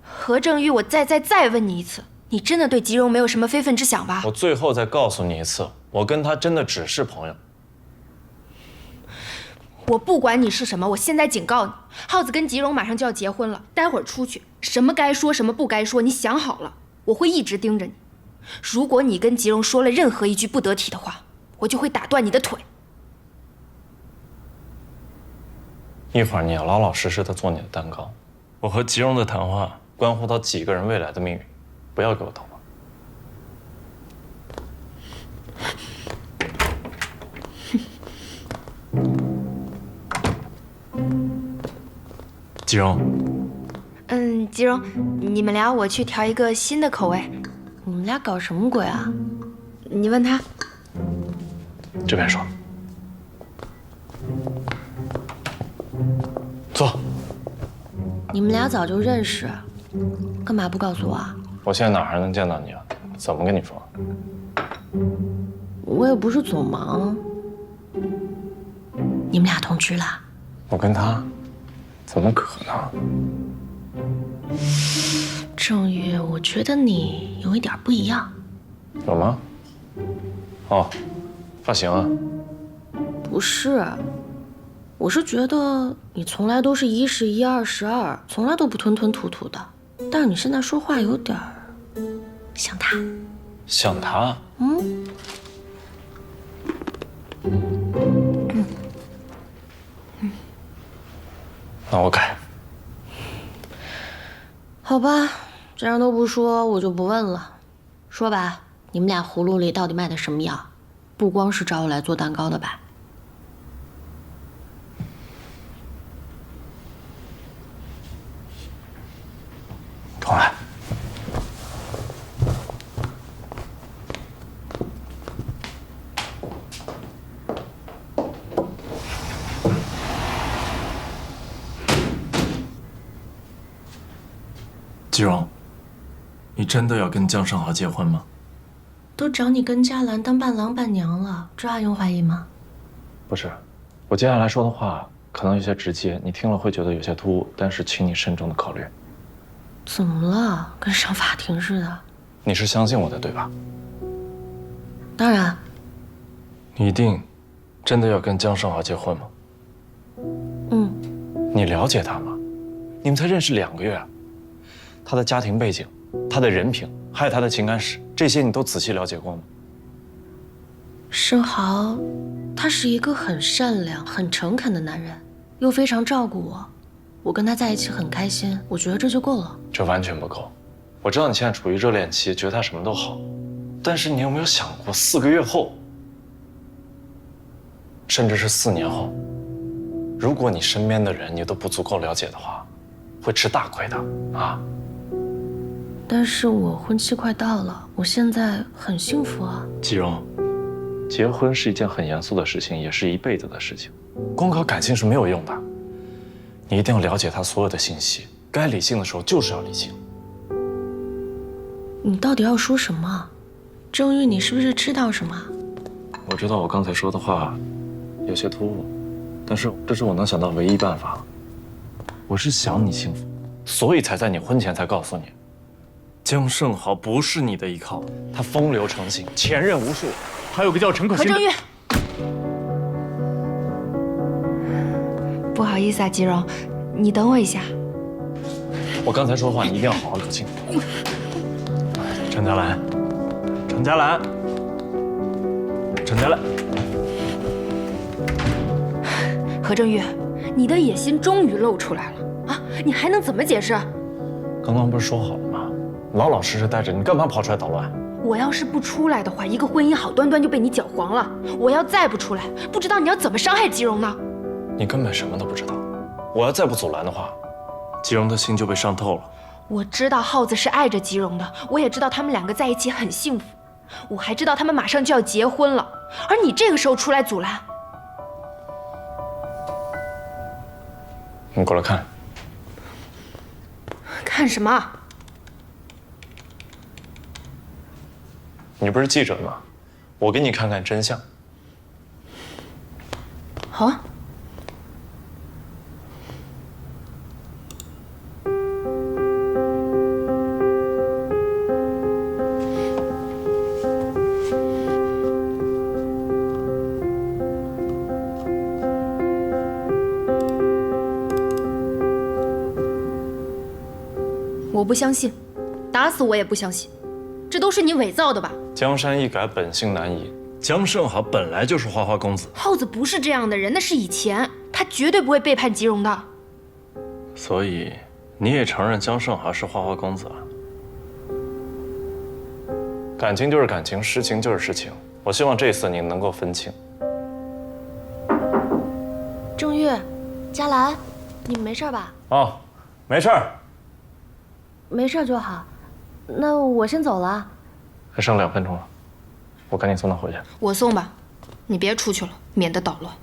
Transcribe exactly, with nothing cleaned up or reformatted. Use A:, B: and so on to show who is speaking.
A: 何正玉，我再再再问你一次，你真的对吉荣没有什么非分之想吧？
B: 我最后再告诉你一次，我跟他真的只是朋友。
A: 我不管你是什么，我现在警告你，浩子跟吉荣马上就要结婚了，待会儿出去，什么该说，什么不该说，你想好了，我会一直盯着你。如果你跟吉荣说了任何一句不得体的话，我就会打断你的腿。
B: 一会儿你要老老实实的做你的蛋糕。我和吉荣的谈话关乎到几个人未来的命运，不要给我捣乱。吉荣，
A: 嗯，吉荣，你们俩我去调一个新的口味。
C: 你们俩搞什么鬼啊？
A: 你问他。
B: 这边说。坐。
C: 你们俩早就认识，干嘛不告诉我啊？
B: 我现在哪还能见到你啊？怎么跟你说？
C: 我也不是总忙。你们俩同居了？
B: 我跟他，怎么可能？
C: 郑宇，我觉得你有一点不一样。
B: 有吗？哦，发型啊？
C: 不是，我是觉得你从来都是一是一，二是二，从来都不吞吞吐吐的。但是你现在说话有点像他。
B: 像他？
C: 嗯。
A: 嗯嗯。
B: 那我改。
C: 好吧，既然都不说，我就不问了。说吧，你们俩葫芦里到底卖的什么药？不光是找我来做蛋糕的吧？
B: 重来。吉荣，你真的要跟江胜豪结婚吗？
C: 都找你跟嘉兰当伴郎伴娘了，这还用怀疑吗？
B: 不是，我接下来说的话可能有些直接，你听了会觉得有些突兀，但是请你慎重的考虑。
C: 怎么了？跟上法庭似的。
B: 你是相信我的，对吧？
C: 当然。
B: 你一定真的要跟江胜豪结婚吗？
C: 嗯。
B: 你了解他吗？你们才认识两个月，他的家庭背景、他的人品，还有他的情感史，这些你都仔细了解过吗？
C: 胜豪，他是一个很善良、很诚恳的男人，又非常照顾我。我跟他在一起很开心，我觉得这就够了。
B: 这完全不够。我知道你现在处于热恋期，觉得他什么都好，但是你有没有想过，四个月后，甚至是四年后，如果你身边的人你都不足够了解的话，会吃大亏的啊！
C: 但是我婚期快到了，我现在很幸福啊。
B: 吉荣，结婚是一件很严肃的事情，也是一辈子的事情，光靠感性是没有用的。你一定要了解他所有的信息，该理性的时候就是要理性。
C: 你到底要说什么？郑玉，你是不是知道什么？
B: 我知道我刚才说的话有些突兀，但是这是我能想到唯一办法。我是想你幸福，所以才在你婚前才告诉你，江胜豪不是你的依靠，他风流成性，前任无数，还有个叫陈可辛的。
A: 何正玉，不好意思啊，吉荣，你等我一下。
B: 我刚才说的话，你一定要好好搞清楚。陈嘉兰，陈嘉兰，陈嘉兰。
A: 何正玉，你的野心终于露出来了啊！你还能怎么解释？
B: 刚刚不是说好了吗？老老实实待着，你干嘛跑出来捣乱？
A: 我要是不出来的话，一个婚姻好端端就被你搅黄了。我要再不出来，不知道你要怎么伤害吉荣呢？
B: 你根本什么都不知道。我要再不阻拦的话，吉荣的心就被伤透了。
A: 我知道浩子是爱着吉荣的，我也知道他们两个在一起很幸福，我还知道他们马上就要结婚了。而你这个时候出来阻拦，
B: 你过来看。
A: 看什么？
B: 你不是记者吗？我给你看看真相。
A: 好啊。 我不相信，打死我也不相信，这都是你伪造的吧？
B: 江山易改，本性难移。江胜好本来就是花花公子，
A: 耗子不是这样的人，那是以前，他绝对不会背叛吉荣的。
B: 所以你也承认江胜华是花花公子啊？感情就是感情，实情就是实情。我希望这次你能够分清。
C: 郑月，佳兰，你们没事吧？
B: 哦，没事儿。
C: 没事就好。那我先走了。
B: 还剩两分钟了，我赶紧送他回去。
A: 我送吧，你别出去了，免得捣乱。